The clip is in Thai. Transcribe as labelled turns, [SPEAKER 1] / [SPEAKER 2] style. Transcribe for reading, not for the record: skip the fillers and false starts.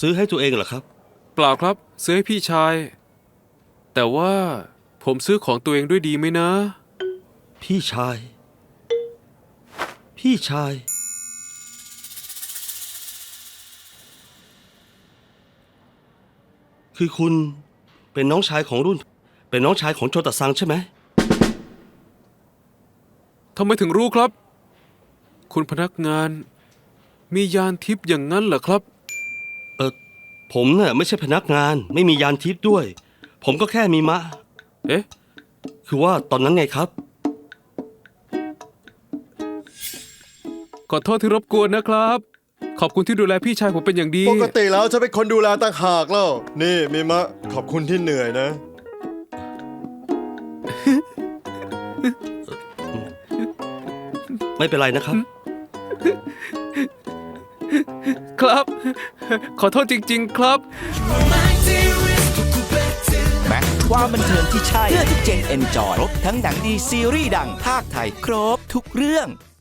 [SPEAKER 1] ซื้อให้ตัวเองเหรอครับ
[SPEAKER 2] เปล่าครับซื้อให้พี่ชาย แต่ว่าผมซื้อของตัวเองด้วยดีไหมนะ
[SPEAKER 1] พี่ชาย พี่ชาย คือคุณเป็นน้องชายของรุ่น เป็นน้องชายของโจตะซังใช่ไหม
[SPEAKER 2] ทำไมถึงรู้ครับ คุณพนักงาน มียานทิพย์อย่างนั้นเหรอครับ
[SPEAKER 1] ผมเนี่ยไม่ใช่พนักงาน ไม่มียานทิพย์ด้วย ผมก็แค่มีมะ
[SPEAKER 2] เอ๊ะ
[SPEAKER 1] คือว่าตอนนั้นไงครับ
[SPEAKER 2] ขอโทษที่รบกวนนะครับ ขอบคุณที่ดูแลพี่ชายผมเป็นอย่างดี
[SPEAKER 3] ปกติแล้วจะเป็นคนดูแลต่างหากแล้ว นี่มีมะ ขอบคุณที่เหนื่อยนะ
[SPEAKER 1] ไม่เป็นไรนะครับ
[SPEAKER 2] ครับ ขอโทษจริง ๆ ครับ
[SPEAKER 4] แม็กความบันเทิงที่ใช่เพื่อทุกเจนเอนจอยครบทั้งหนังดีซีรีส์ดังภาคไทยครบทุกเรื่อง